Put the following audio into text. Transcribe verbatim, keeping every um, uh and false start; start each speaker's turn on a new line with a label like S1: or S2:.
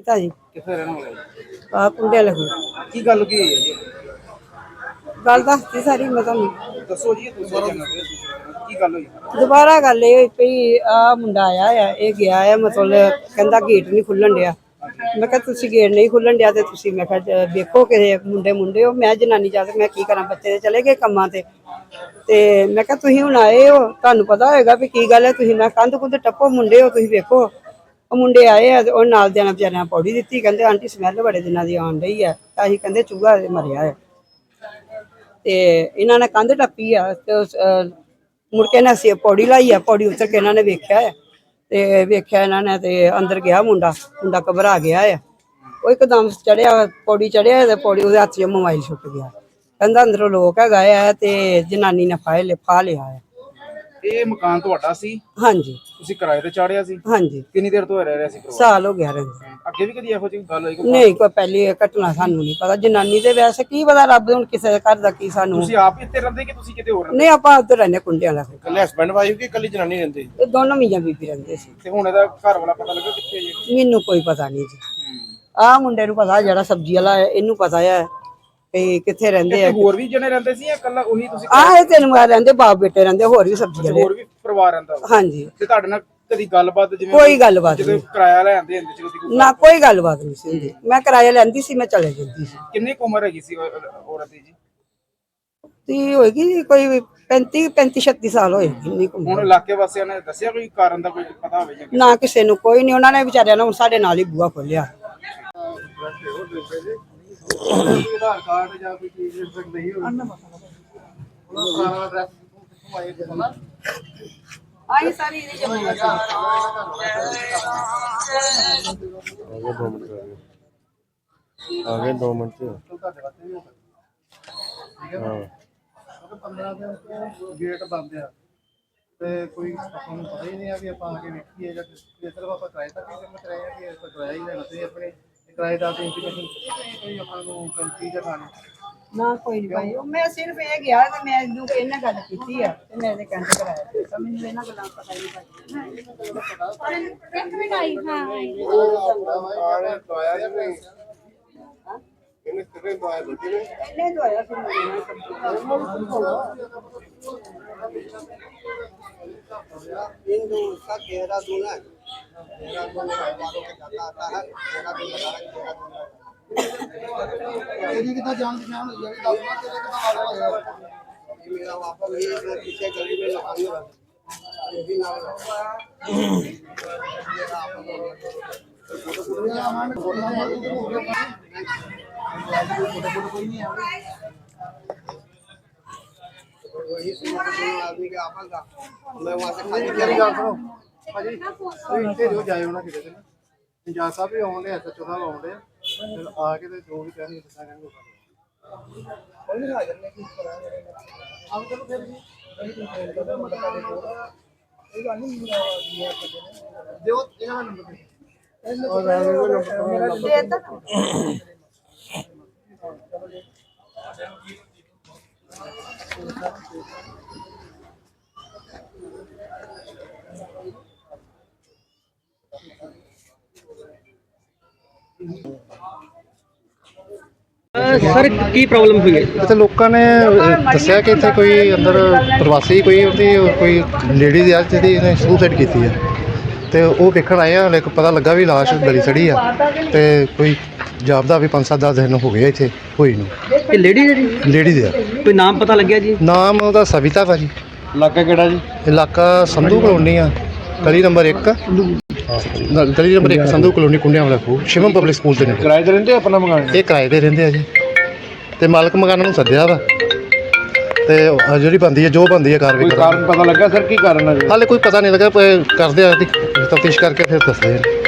S1: पिता जी
S2: कितने रहने वाले
S1: आ कुंडे लगू
S2: की गल की है जी
S1: गल दसती सारी मैं तुहानू
S2: दसो जी दूसरे चैनल पे की गल हुई
S1: दोबारा गल ये पई आ मुंडा आया है ये गया है मतलब कहंदा गेट नहीं खुलन दिया मैं कहा तुसी गेट नहीं खुलन दिया ते तुसी मैं कहा देखो कि मुंडे मुंडे हो मैं जनानी जाके मैं की करा बच्चे चले गए कम्मां ते ते मैं कहा तुसी हुण आए हो तुहानू पता होएगा भी की गल है तुसी मैं कंध कुंध टप्पो मुंडे हो तुसी देखो ਉਹ ਮੁੰਡੇ ਆਏ ਆ ਤੇ ਉਹ ਨਾਲ ਦੇ ਨਾਲ ਵਿਚਾਰਿਆਂ ਪੌੜੀ ਦਿੱਤੀ ਕਹਿੰਦੇ ਆਂਟੀ ਸਮੈਲ ਬੜੇ ਦਿਨਾਂ ਦੀ ਆਉਣ ਰਹੀ ਹੈ ਤਾਂ ਅਸੀਂ ਕਹਿੰਦੇ ਚੂਹਾ ਮਰਿਆ ਹੈ ਤੇ ਇਹਨਾਂ ਨੇ ਕੰਧ ਟੱਪੀ ਆ ਤੇ ਮੁੜ ਕੇ ਨਾ ਅਸੀਂ ਪੌੜੀ ਲਾਈ ਆ ਪੌੜੀ ਉੱਤਰ ਕੇ ਇਹਨਾਂ ਨੇ ਵੇਖਿਆ ਤੇ ਵੇਖਿਆ ਇਹਨਾਂ ਨੇ ਤੇ ਅੰਦਰ ਗਿਆ ਮੁੰਡਾ ਮੁੰਡਾ ਘਬਰਾ ਗਿਆ ਆ ਉਹ ਇੱਕਦਮ ਚੜਿਆ ਪੌੜੀ ਚੜਿਆ ਤੇ ਪੌੜੀ ਉਹਦੇ ਹੱਥ 'ਚ ਮੋਬਾਈਲ ਛੁੱਟ ਗਿਆ ਕਹਿੰਦਾ ਅੰਦਰੋਂ ਲੋਕ ਹੈਗਾ ਆ ਤੇ ਜਨਾਨੀ ਨੇ ਫਾਇ ਲਿ ਫਾ ਲਿਆ ਆ
S2: ਇਹ ਮਕਾਨ ਤੁਹਾਡਾ ਸੀ
S1: ਹਾਂਜੀ
S2: ਤੁਸੀਂ ਕਿਰਾਏ ਤੇ ਚਾੜਿਆ ਸੀ
S1: ਹਾਂਜੀ
S2: ਕਿੰਨੀ ਦੇਰ ਤੋਂ ਰਹਿ ਰਿਹਾ ਸੀ ਪਰਿਵਾਰ
S1: ਸਾਲ ਹੋ ਗਿਆ ਰਹਿੰਦੇ
S2: ਅੱਗੇ ਵੀ ਕਦੀ ਇਹੋ ਜਿਹੀ ਗੱਲ ਹੋਈ ਕੋਈ
S1: ਨਹੀਂ ਕੋਈ ਪਹਿਲੀ ਘਟਨਾ ਸਾਨੂੰ ਨਹੀਂ ਪਤਾ ਜਨਾਨੀ ਦੇ ਵੈਸੇ ਕੀ ਪਤਾ ਰੱਬ ਹੁਣ ਕਿਸੇ ਦੇ ਘਰ ਦਾ ਕੀ ਸਾਨੂੰ
S2: ਤੁਸੀਂ ਆਪ ਹੀ ਇੱਥੇ ਰਹਿੰਦੇ ਕਿ ਤੁਸੀਂ ਕਿਤੇ ਹੋਰ ਰਹਿੰਦੇ
S1: ਨਹੀਂ ਆਪਾਂ ਉੱਧਰ ਰਹਿੰਦੇ ਕੁੰਡਿਆਂ ਦਾ
S2: ਇਕੱਲੇ ਹਸਬੰਡ ਵਾਈਫ ਕਿ ਇਕੱਲੀ ਜਨਾਨੀ ਰਹਿੰਦੇ
S1: ਇਹ ਦੋਨੋਂ ਮੀਆਂ ਬੀਬੀ ਰਹਿੰਦੇ ਸੀ
S2: ਤੇ ਹੁਣ ਇਹਦਾ ਘਰ ਵਾਲਾ ਪਤਾ ਲੱਗਾ ਕਿੱਥੇ ਹੈ ਜੀ
S1: ਮੈਨੂੰ ਕੋਈ ਪਤਾ ਨਹੀਂ ਜੀ ਆਹ ਮੁੰਡੇ ਨੂੰ ਪਤਾ ਜਿਹੜਾ ਸਬਜ਼ੀ ਵਾਲਾ ਹੈ ਇਹਨੂੰ ਪਤਾ ਹੈ ਕਿ ਕਿੱਥੇ ਰਹਿੰਦੇ ਆ
S2: ਹੋਰ ਵੀ ਜਣੇ ਰਹਿੰਦੇ ਸੀ ਜਾਂ ਇਕੱਲਾ ਉਹੀ ਤੁਸੀਂ
S1: ਆਹ ਇਹ ਤਿੰਨ ਮਾਰ ਰਹਿੰਦੇ ਬਾਪ ਬੇਟੇ ਰਹਿੰਦੇ ਹੋਰ ਵੀ ਸਬਜ਼ੀ ਵਾਲੇ
S2: ਹੋਰ ਵੀ ਪਰਿਵਾਰ ਰਹਿੰਦਾ ਵਾ?
S1: ਹਾਂਜੀ
S2: ਤੇ ਤੁਹਾਡੇ ਨਾਲ ਕਦੀ ਗੱਲਬਾਤ ਜਿਵੇਂ
S1: ਕੋਈ ਗੱਲਬਾਤ
S2: ਜਦੋਂ
S1: ਨਹੀਂ
S2: ਕਿਰਾਇਆ ਲੈਂਦੇ ਹੁੰਦੇ ਸੀ ਕਦੀ
S1: ਨਾ ਕੋਈ ਗੱਲਬਾਤ ਨਹੀਂ ਸੀ ਹੁੰਦੀ ਮੈਂ ਕਿਰਾਇਆ ਲੈਂਦੀ ਸੀ ਮੈਂ ਚਲੇ ਜਾਂਦੀ ਸੀ
S2: ਕਿੰਨੀ ਕੁ ਉਮਰ ਹੈਗੀ ਸੀ ਉਹ- ਔਰਤ ਦੀ ਜੀ
S1: ਤੇ ਹੋਏਗੀ ਜੀ ਕੋਈ ਪੈਂਤੀ ਪੈਂਤੀ ਛੱਤੀ ਸਾਲ ਹੋਏਗੀ ਇੰਨੀ ਕੁ ਉਮਰ।
S2: ਹੁਣ ਇਲਾਕੇ ਵਾਸੀਆਂ ਨੇ ਦੱਸਿਆ ਕੋਈ ਕਾਰਨ ਦਾ ਕੋਈ ਪਤਾ ਹੋਵੇ ਜਾਂ
S1: ਨਾ ਕਿਸੇ ਨੂੰ ਕੋਈ ਨਹੀਂ ਉਹਨਾਂ ਨੇ ਵਿਚਾਰਿਆਂ ਨੇ ਹੁਣ ਸਾਡੇ ਨਾਲ ਹੀ ਬੂਹਾ ਖੋਲਿਆ
S2: ਆਧਾਰ ਕਾਰਡ ਜਾਂ ਕੋਈ ਚੀਜ਼ ਨਹੀਂ ਹੋਈ ਸਾਰਾ ਐਡਰੈਸ ਆਏ ਤੇ ਨਾ
S1: ਆਈ ਸਾਰੀ ਇਹਦੀ ਜਮਾਨਾ
S3: आगे दो मिनट से
S2: ਤੁਹਾਡੇ ਵਾਸਤੇ ਵੀ ਹੋਊਗਾ ਠੀਕ ਹੈ ਨਾ ਪੰਦਰਾਂ ਦਿਨ ਤੋਂ ਗੇਟ ਬੰਦ ਆ ਤੇ ਕੋਈ ਆਪਾਂ ਨੂੰ ਪਤਾ ਹੀ ਨਹੀਂ ਆ ਵੀ ਆਪਾਂ ਆ ਕੇ ਵੇਖੀਏ ਜਾਂ ਸਿਰਫ ਆਪਾਂ ਕਿਰਾਏ ਤੱਕ ਹੀ ਕੰਮ ਕਰਾਏ ਆ ਕਿ ਆਪਾਂ ਕਿਰਾਇਆ ਹੀ ਲੈਣਾ ਤੇ ਆਪਣੇ ਕਿਰਾਏਦਾਰ ਦੀ ਇੰਟੀਮੇਸ਼ਨ ਕੋਈ ਆਪਾਂ ਨੂੰ ਕੰਪਨੀ ਜਾਂ ਖਾਣੇ
S1: ਨਾ ਕੋਈ ਨਹੀਂ ਭਾਈ ਉਹ ਮੈਂ ਸਿਰਫ ਇਹ ਗਿਆ ਤੇ ਮੈਂ ਇਹਨੂੰ ਇਹਨਾਂ ਗੱਲ ਕੀਤੀ ਆ ਤੇ ਮੈਂ ਇਹਦੇ ਕੈਂਟ ਕਰਾਇਆ ਤੇ ਮੈਨੂੰ ਇਹਨਾਂ ਗੱਲਾਂ ਦਾ ਪਤਾ ਨਹੀਂ
S4: ਇੱਕ ਮਿੰਟ ਆਈ ਹਾਂ
S2: ਆਣੇ ਦਵਾਇਆ ਜਾਂ ਨਹੀਂ ਇਹਨੇ ਕਿਵੇਂ ਦਵਾਇਆ ਦਿੱਤੀ ਨੇ
S1: ਇਹਨੇ ਦਵਾਇਆ ਫਿਰ ਮੈਨੂੰ
S5: हिंदू उसका देहरादून है देहरादून वालों के जाता आता है देहरादून देहरादून
S2: ਇਹਦੀ ਕਿੱਦਾਂ ਜਾਣ ਪਛਾਣ ਹੋਈ ਹੈ ਦੱਸਣਾ ਤੇਰੇ ਕਿੱਦਾਂ ਵਾਲਾ ਹੋਇਆ
S5: ये मेरा वापस ये जो पीछे गली में लगाने वाला ये भी नाम वही आदमी के आपस का मैं वहाँ से खाली
S2: ਮੇਰੀ ਗੱਲ ਸੁਣੋ ਭਾਜੀ ਤੁਸੀਂ ਇੱਥੇ ਜੋ ਜਾਏ ਹੋਣਾ ਕਿਤੇ ਨਾ ਇੰਜਾਜ਼ ਸਾਹਿਬ ਵੀ ਆਉਂਦੇ ਐਸ ਐਚ ਓ ਸਾਹਿਬ ਆਉਂਦੇ ਫਿਰ ਆ ਕੇ ਤੇ ਜੋ ਵੀ ਕਹਿਣਗੇ ਦੱਸਾਂ ਕਹਿਣਗੇ ਕੋਈ ਨਹੀਂ ਹਾਜ਼ਰ ਨੇ ਕੀ ਕਰਾਂਗੇ ਆਪ ਚਲੋ ਫਿਰ ਜੀ ਇਹ ਗੱਲ ਨਹੀਂ ਦਿਓ ਇਹਨਾਂ ਦਾ ਨੰਬਰ ਦੇ
S1: ਦੇ ਤਾ
S6: ਸਰ ਕੀ ਪ੍ਰੋਬਲਮ ਹੋਈ ਹੈ
S7: ਇੱਥੇ ਲੋਕਾਂ ਨੇ ਦੱਸਿਆ ਕਿ ਇੱਥੇ ਕੋਈ ਅੰਦਰ ਪ੍ਰਵਾਸੀ ਕੋਈ ਉਹਦੀ ਕੋਈ ਲੇਡੀ ਆ ਜਿਹਦੀ ਇਹਨੇ ਸੁਸਾਈਡ ਕੀਤੀ ਹੈ ਤੇ ਉਹ ਵੇਖਣ ਆਏ ਆ ਲੇਕਿਨ ਪਤਾ ਲੱਗਾ ਵੀ ਲਾਸ਼ ਗਲੀ ਸੜੀ ਆ ਤੇ ਕੋਈ ਜਾਪਦਾ ਵੀ ਪੰਜ ਸੱਤ ਦਸ ਦਿਨ ਹੋ ਗਏ ਇੱਥੇ ਹੋਈ ਨੂੰ
S6: ਇਹ ਲੇਡੀ ਜਿਹੜੀ
S7: ਲੇਡੀ ਦੇ ਆ
S6: ਕੋਈ ਨਾਮ ਪਤਾ ਲੱਗਿਆ ਜੀ
S7: ਨਾਮ ਉਹਦਾ ਸਵਿਤਾ ਭਾਜੀ
S3: इलाका केड़ा जी
S7: ਇਲਾਕਾ ਸੰਧੂ ਕਲੋਨੀ ਆ ਗਲੀ ਨੰਬਰ ਇੱਕ ਗਲੀ ਨੰਬਰ ਇੱਕ ਸੰਧੂ ਕਲੋਨੀ ਕੁੰਡਿਆਂ ਵਾਲਾ ਖੂਹ ਸ਼ਿਵਮ ਪਬਲਿਕ ਸਕੂਲ ਦੇ ਨੇੜੇ
S3: किराए रहते अपना मकान
S7: ਇਹ ਕਿਰਾਏ ਤੇ ਰਹਿੰਦੇ ਆ ਜੀ ਤੇ ਮਾਲਕ ਮਕਾਨਾਂ ਨੂੰ ਸੱਦਿਆ ਵਾ ਤੇ ਉਹ ਜਿਹੜੀ ਬੰਦੀ ਹੈ ਜੋ ਬੰਦੀ ਹੈ ਕਾਰਵਾਈ
S3: कोई
S7: ਕਰਾਂਗੇ
S3: कारण पता लगा सर की कारण है
S7: ਹਾਲੇ ਕੋਈ ਪਤਾ ਨਹੀਂ ਲੱਗਾ ਪ- ਕਰਦੇ ਆ ਤਫਤੀਸ਼ ਕਰਕੇ ਫਿਰ ਦੱਸਦੇ ਆ